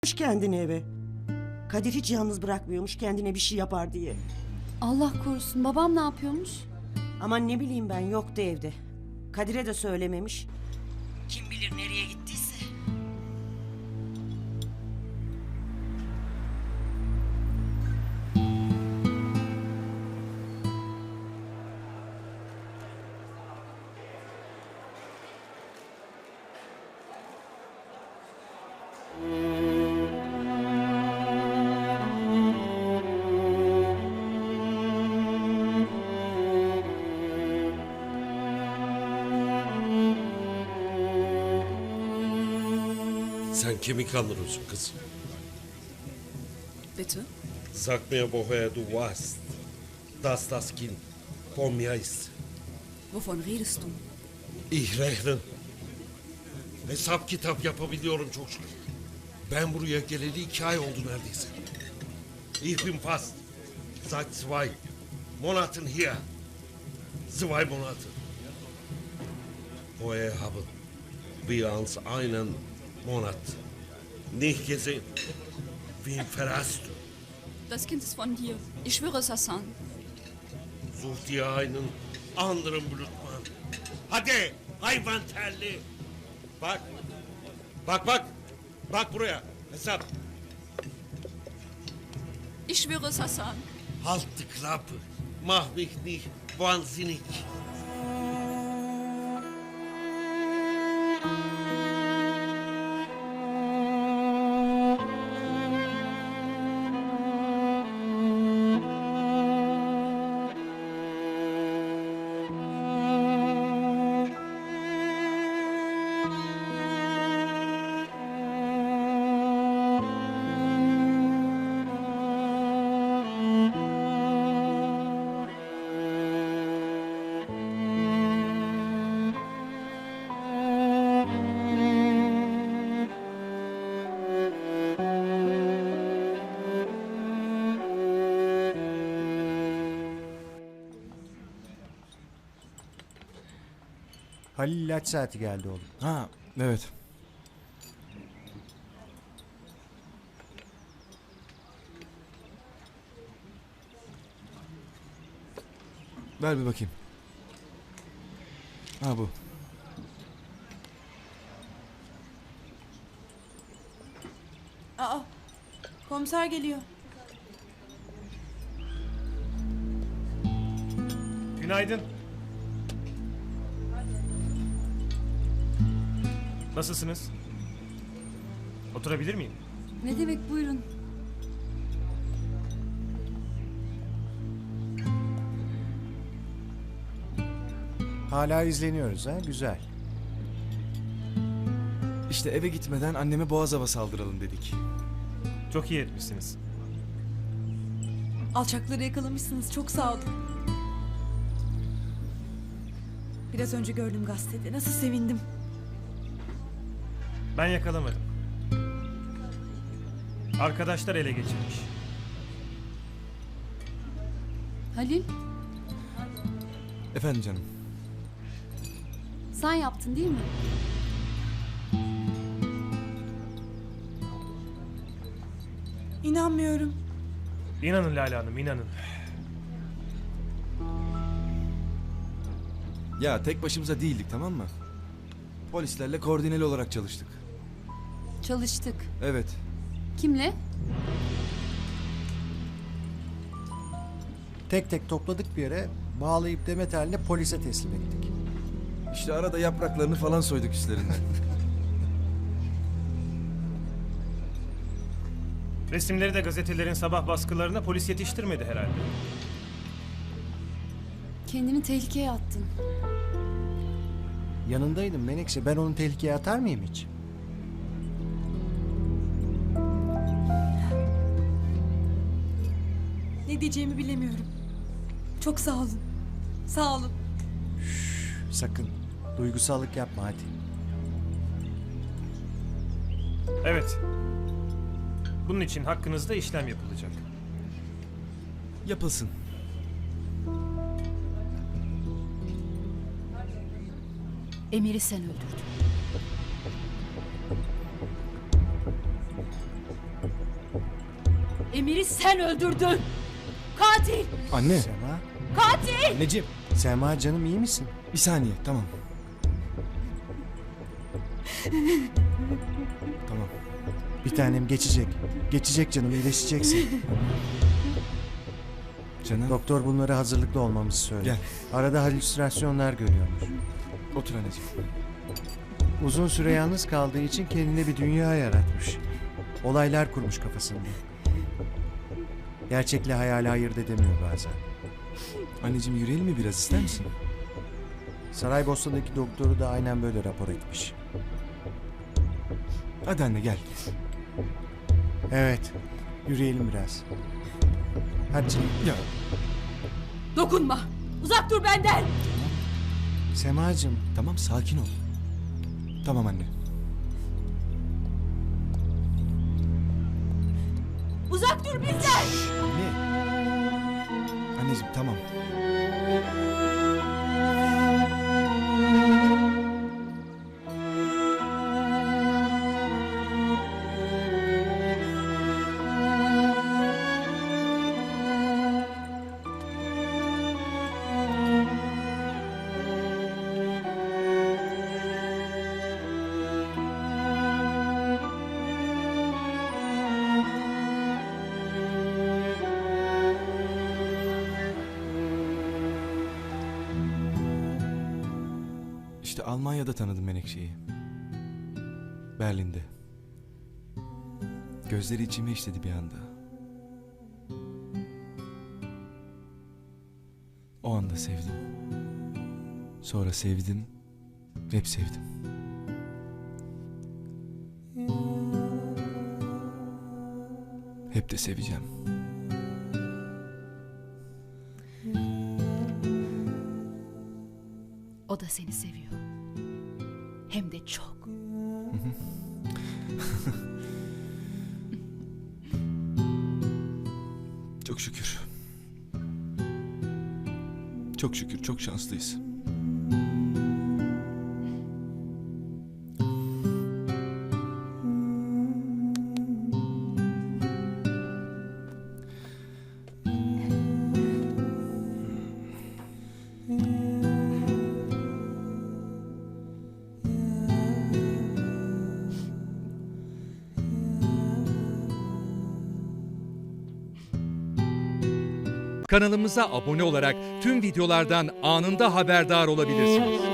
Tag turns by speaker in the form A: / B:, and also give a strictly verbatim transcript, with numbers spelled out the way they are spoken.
A: Kendini eve. Kadir hiç yalnız bırakmıyormuş kendine bir şey yapar diye.
B: Allah korusun, babam ne yapıyormuş?
A: Aman ne bileyim ben, yoktu evde. Kadir'e de söylememiş. Kim bilir nereye gittiyse.
C: Sen kimi kandırıyorsun kız?
D: Bitte?
C: Sag mir, woher du warst. Dass das Kind von mir ist.
D: Wovon redest du?
C: Ich rechne. Hesap kitap yapabiliyorum çok şükür. Ben buraya geleli iki ay oldu neredeyse. Ich bin fast seit zwei Monaten hier. Zwei Monate. Woher haben wir uns einen Monat nicht gesehen? Wen verlässt du?
D: Das Kind ist von dir. Ich schwöre es, Hassan.
C: Such dir einen anderen Blutmann. Hadi hayvan terli. Bak. Bak bak. Bak buraya. Hesap.
D: Ich schwöre es, Hassan.
C: Halt die Klappe. Mach mich nicht wahnsinnig.
E: Halil ilaç saati geldi oğlum.
F: Ha, evet. Ver bir bakayım. Ha bu.
G: Aa, komiser geliyor.
H: Günaydın. Nasılsınız? Oturabilir miyim?
B: Ne demek, buyurun.
E: Hala izleniyoruz ha, güzel.
F: İşte eve gitmeden anneme boğaz hava saldıralım dedik.
H: Çok iyi etmişsiniz.
G: Alçakları yakalamışsınız, çok sağ olun. Biraz önce gördüm gazetede, nasıl sevindim.
H: Ben yakalamadım. Arkadaşlar ele geçirmiş.
B: Halil,
F: Efendim canım.
B: sen yaptın değil mi?
G: İnanmıyorum.
H: İnanın Lale Hanım, inanın.
F: Ya tek başımıza değildik, tamam mı? Polislerle koordineli olarak çalıştık.
B: Çalıştık.
F: Evet.
B: Kimle?
E: Tek tek topladık bir yere, bağlayıp demet haline polise teslim ettik.
F: İşte arada yapraklarını falan soyduk üstlerinden.
H: Resimleri de gazetelerin sabah baskılarına polis yetiştirmedi herhalde.
B: Kendini tehlikeye attın.
E: Yanındaydım Menekşe, ben onu tehlikeye atar mıyım hiç?
G: Ne diyeceğimi bilemiyorum. Çok sağ olun. Sağ olun.
E: Sakın, duygusallık yapma hadi.
H: Evet. Bunun için hakkınızda işlem yapılacak.
F: Yapılsın.
B: Emir'i sen öldürdün.
G: Emir'i sen öldürdün. Katil!
F: Anne.
E: Sema.
G: Katil!
F: Anneciğim.
E: Sema canım iyi misin?
F: Bir saniye tamam. Tamam.
E: Bir tanem geçecek. Geçecek canım iyileşeceksin.
F: Canım.
E: Doktor bunlara hazırlıklı olmamızı söyledi.
F: Gel.
E: Arada halüsinasyonlar görüyormuş.
F: Otur anneciğim.
E: Uzun süre yalnız kaldığı için kendine bir dünya yaratmış. Olaylar kurmuş kafasında. Gerçekle hayali ayırt edemiyor bazen.
F: Anneciğim yürüyelim mi biraz ister misin?
E: Saraybosna'daki doktoru da aynen böyle rapor etmiş.
F: Hadi anne gel.
E: Evet, yürüyelim biraz. Hadi canım.
F: Ya
G: Dokunma! Uzak dur benden!
E: Semacığım,
F: tamam sakin ol. Tamam anne.
G: Uzak dur bizden!
F: Anne. Anneciğim tamam. İşte Almanya'da tanıdım Menekşe'yi. Berlin'de. Gözleri içime işledi bir anda. O anda sevdim. Sonra sevdim. Hep sevdim. Hep de seveceğim.
G: O da seni seviyor. Hem de çok.
F: Çok şükür. Çok şükür, çok şanslıyız.
I: Kanalımıza abone olarak tüm videolardan anında haberdar olabilirsiniz.